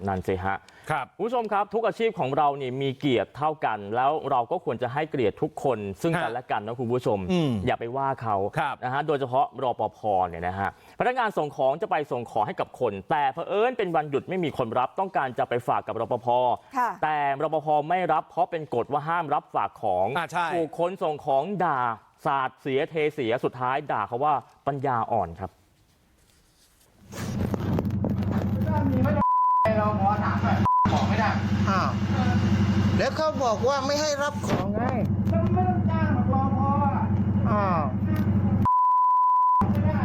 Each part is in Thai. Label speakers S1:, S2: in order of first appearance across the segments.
S1: นั่นสิฮะ
S2: ครับ
S1: ผู้ชมครับทุกอาชีพของเรานี่มีเกียรติเท่ากันแล้วเราก็ควรจะให้เกียรติทุกคนซึ่งกันและกันนะคุณผู้ชมอย่าไปว่าเขานะฮะโดยเฉพาะรปภเนี่ยนะฮะพนักงานส่งของจะไปส่งของให้กับคนแต่เผอิญเป็นวันหยุดไม่มีคนรับต้องการจะไปฝากกับรปภแต่รปภไม่รับเพราะเป็นกฎว่าห้ามรับฝากของถูกคนส่งของด่าสาดเสียเทเสียสุดท้ายด่าเขาว่าปัญญาอ่อนครับ
S3: เราขอถามหน่อยของไม่ได้
S4: แล้วเขาบอกว่าไม่ให้รับของไง
S3: ก็ไม่ต้องจ้างหรอกรอพอไม่ได้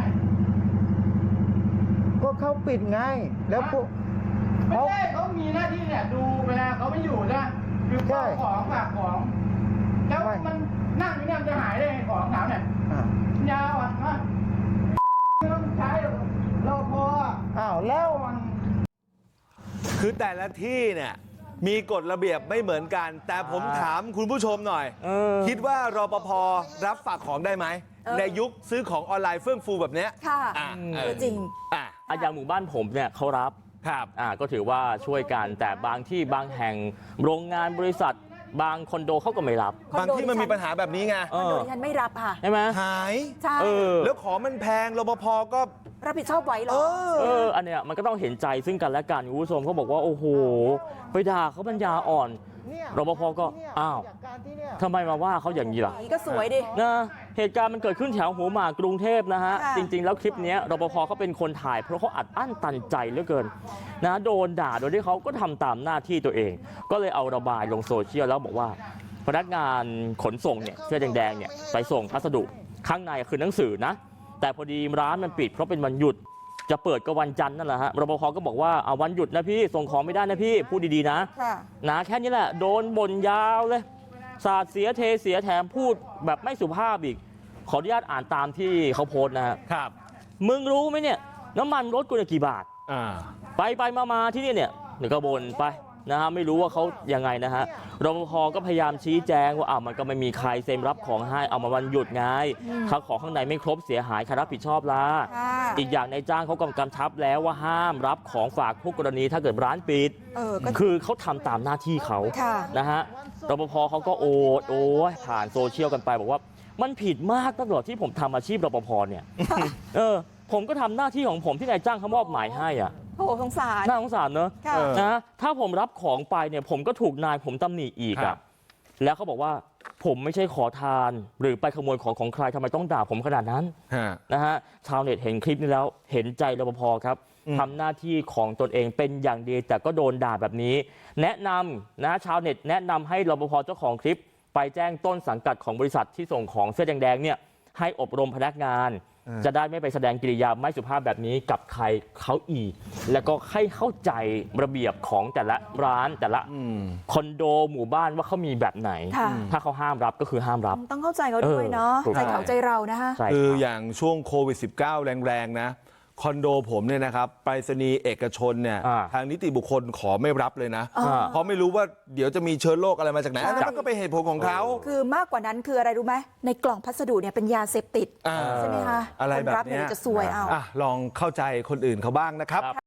S4: ก็เขาปิดไงแล้วพวก
S3: ไม่ใช่เขามีหน้าที่เนี่ยดูเวลาเขาไม่อยู่นะคือของฝากของแล้วมันนั่งอยู่เนี่ยจะหายได้ไงของถามเนี่ยยาวอ่ะไม่ต้องใช้รอพอ
S4: แล้ว
S3: มัน
S2: คือแต่ละที่เนี่ยมีกฎระเบียบไม่เหมือนกันแต่ผมถามคุณผู้ชมหน่อยคิดว่ารปภรับฝากของได้ไหมในยุคซื้อของออนไลน์เฟื่องฟูแบบนี้
S5: ค่ะจริง
S1: อย่างหมู่บ้านผมเนี่ยเขารับก็ถือว่าช่วยกันแต่บางที่บางแห่งโรงงานบริษัทบางคอนโดเขาก็ไม่รับบ
S2: างที่มันมีปัญหาแบบนี้ไง
S5: คอนโดที่ฉันไม่รับค่ะ
S1: ใช่ไหม
S2: หาย
S5: ใช่
S2: แล้วของมันแพงรปภก็
S5: รับผิดชอบไว้หรอ
S1: อันเนี้ยมันก็ต้องเห็นใจซึ่งกันและกันคุณผู้ชมเขาบอกว่าโอ้โหไปด่าเขาปัญญาอ่อนรปภก็ทำไมมาว่าเขาอย่างนี้ล่ะ
S5: ก็สวยดิ
S1: นะเหตุการณ์มันเกิดขึ้นแถวหัวหมากกรุงเทพนะฮะจริงๆแล้วคลิปนี้รปภเขาเป็นคนถ่ายเพราะเขาอัดอั้นตันใจเหลือเกินนะโดนด่าโดยที่เขาก็ทำตามหน้าที่ตัวเองก็เลยเอาระบายลงโซเชียลแล้วบอกว่าพนักงานขนส่งเนี่ยเสื้อแดงๆเนี่ยไปส่งพัสดุข้างในคือหนังสือนะแต่พอดีร้านมันปิดเพราะเป็นวันหยุดจะเปิดก็วันจันทร์นั่นแหละฮะรปภก็บอกว่าเอาวันหยุดนะพี่ส่งของไม่ได้นะพี่พูดดีๆนะแค่นี้แหละโดนบ่นยาวเลยสาดเสียเทเสียแถมพูดแบบไม่สุภาพอีกขออนุญาตอ่านตามที่เขาโพสต์นะครับมึงรู้ไหมเนี่ยน้ำมันรถกูเนี่ยกี่บาทไปมาที่นี่เนี่ยก็บ่นไปนะฮะไม่รู้ว่าเขายังไงนะฮะรปภก็พยายามชี้แจงว่ามันก็ไม่มีใครเซ็นรับของให้เอามาวันหยุดไงถ้าของข้างในไม่ครบเสียหายใครรับผิดชอบล่ะอีกอย่างในจ้างเขากำชับแล้วว่าห้ามรับของฝากผู้กรณีถ้าเกิดร้านปิดคือเขาทำตามหน้าที่เขานะฮะรปภเขาก็โอ้ยผ่านโซเชียลกันไปบอกว่ามันผิดมากตลอดที่ผมทำอาชีพรปภเนี่ยผมก็ทำหน้าที่ของผมที่นายจ้างเขามอบหมายให้
S5: โอ้สงสาร
S1: น่าสงสารเนอะนะถ้าผมรับของไปเนี่ยผมก็ถูกนายผมตำหนิอีกแล้วเขาบอกว่าผมไม่ใช่ขอทานหรือไปขโมยของใครทำไมต้องด่าผมขนาดนั้นนะฮะชาวเน็ตเห็นคลิปนี้แล้วเห็นใจรปภครับทำหน้าที่ของตนเองเป็นอย่างดีแต่ก็โดนด่าแบบนี้แนะนำนะชาวเน็ตแนะนำให้รปภเจ้าของคลิปไปแจ้งต้นสังกัดของบริษัทที่ส่งของเสื้อแดงๆเนี่ยให้อบรมพนักงานจะได้ไม่ไปแสดงกิริยาไม่สุภาพแบบนี้กับใครเขาอีกแล้วก็ให้เข้าใจระเบียบของแต่ละร้านแต่ละคอนโดหมู่บ้านว่าเขามีแบบไหนถ้าเขาห้ามรับก็คือห้ามรับ
S5: ต้องเข้าใจเขาด้วยเนาะใจเขาใจเรานะฮะ
S2: คืออย่างช่วงโควิด -19 แรงๆนะคอนโดผมเนี่ยนะครับไปรษณีย์เอกชนเนี่ยทางนิติบุคคลขอไม่รับเลยนะเพราะไม่รู้ว่าเดี๋ยวจะมีเชื้อโรคอะไรมาจากไหนอันนั้นก็เป็นเหตุผลของเขา
S5: คือมากกว่านั้นคืออะไรรู้ไหมในกล่องพัสดุเนี่ยเป็นยาเสพติดใช่ไหมคะ
S2: อะไรแบบนี้
S5: จะซวยเอา
S2: ลองเข้าใจคนอื่นเขาบ้างนะครับ